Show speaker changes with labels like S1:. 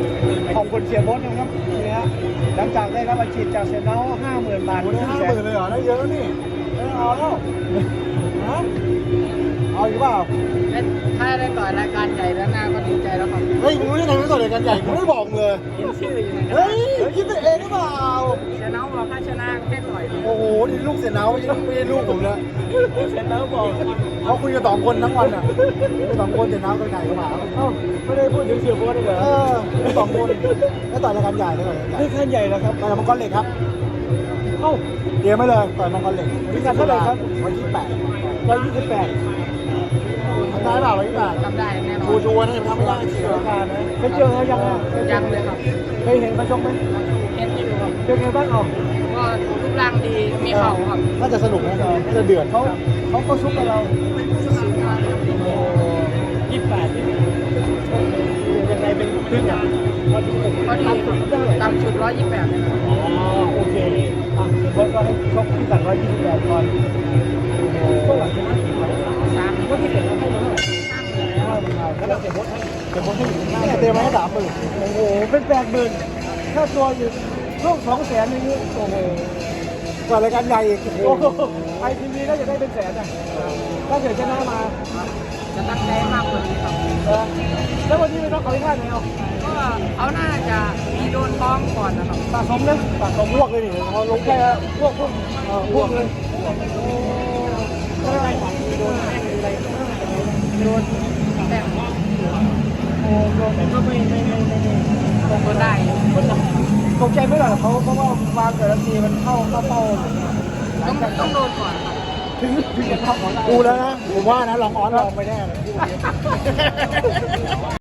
S1: ขอบคุณเสียโบ๊ทนะครับนี่ฮะหลังจากได้รับอาชีพจากเซนเนา50,000 บาท
S2: ได้50,000เลยเหรอได้เยอะนี่ไม่เอาแล้วฮะเอาอีกเปล่า
S3: ถ้าได้ต่อยรายการใหญ่แล้วหน้าก็ดีใจแล้วครับ
S2: เฮ้ยมึงรู้ยังไงไม่ต่อรายการใหญ่กูไม่บอกเลย
S3: เห็นชื่ออยู่ในกระ
S2: เฮ้
S3: ดาษ
S2: ยคิดไปเองหรือเปล่า
S3: เชน้องบอกถ้าชนะให้ต่อย
S2: โอ้โหนี่ลูกเสียเนาไม่ใช่ลูกผมนะ
S1: เซนเนาบอก
S2: เขาคุยกัน2 คนทั้งวันอ่ะ2 คนเสียเนากับไก่กับหมา
S1: เอ้าไม่ได้พูดถึงเสียโบ๊ทเลยเหรอ
S2: 2 คนแล้วต่อยรายการใหญ่แล้วต่อยรายการ
S1: นี่ขั้นใหญ่แล้วครับ
S2: ต่อยมังกรเหล็กครับ
S1: เอ้า
S2: เตรียมไว้เลยต่อยมังกรเหล็ก
S1: พิกัดเท่าไหร่ครับ
S2: วันที่8
S1: 128
S2: ทำได้เปล่าวันที่8
S3: ทำได้แน่นอ
S2: กู
S3: น
S2: ชัวร์นะยังทำไม่ได้เสียการนะ
S1: เคยเจอเขายังอ่ะ
S3: ยังเลยครับ
S1: เคยเห็นเขาชกไหม
S3: เห็นอยู่ครับ
S1: เป็นไงบ้างอ่ะ
S3: ก็รูปร่างดีมีเข่าครับ
S2: น่าจะสนุกนะน่าจะเดือด
S1: เขาก็ซุกกับเรา28ที่ยังไงเป็นเพื่อนกันพอดี
S3: พอดีต่ำสุด128เลยครับ
S1: อ๋อโอเคอ่ะเบิร์ดก็ให้ชกที่กัน128ก่อนก็หลังจากนั้น3ก็ที่เสร็จแล้วให้มาเท่าไหร่แล้วเสียโบ๊ทให้อยู่ข้างหน้า
S2: เนี่ยเตรียมไว้ให้30,000
S1: โอ้โหเป็น80,000ค่าตัวอยู่ร่วม200,000อย่างนี้โอ้โห
S2: ก่อนรายการใหญ่อีก
S1: โอ้โหไอทีวีก็จะได้เป็นแสนอ่ะถ้าเกิดชนะมา
S3: จะตั้งใจมากกว่านี้ครับ
S1: แล้ววันนี้เป็นน้องเขาที่ท่าไหนเอา
S3: ก็เขาน่าจะมีโดนท้องก่อนนะครับ
S1: สะสมนะสะสม
S2: พวกเลยนี่เขาลง
S1: แค่
S2: แค่
S1: พวกเลยอะไรโดนอะไรโดน
S3: แต่
S1: โอ้โดนก็ไม่
S3: คงได้
S1: ตกใจไม่หรอกเขาเพราะว่าวางแต่ละทีมันเข้าเป้า
S3: ต้องโดนก่อนครับ
S1: ถึงจะเข้าของได้
S2: กูแล้วนะผมว่านะลองออนลองไปแน่เลย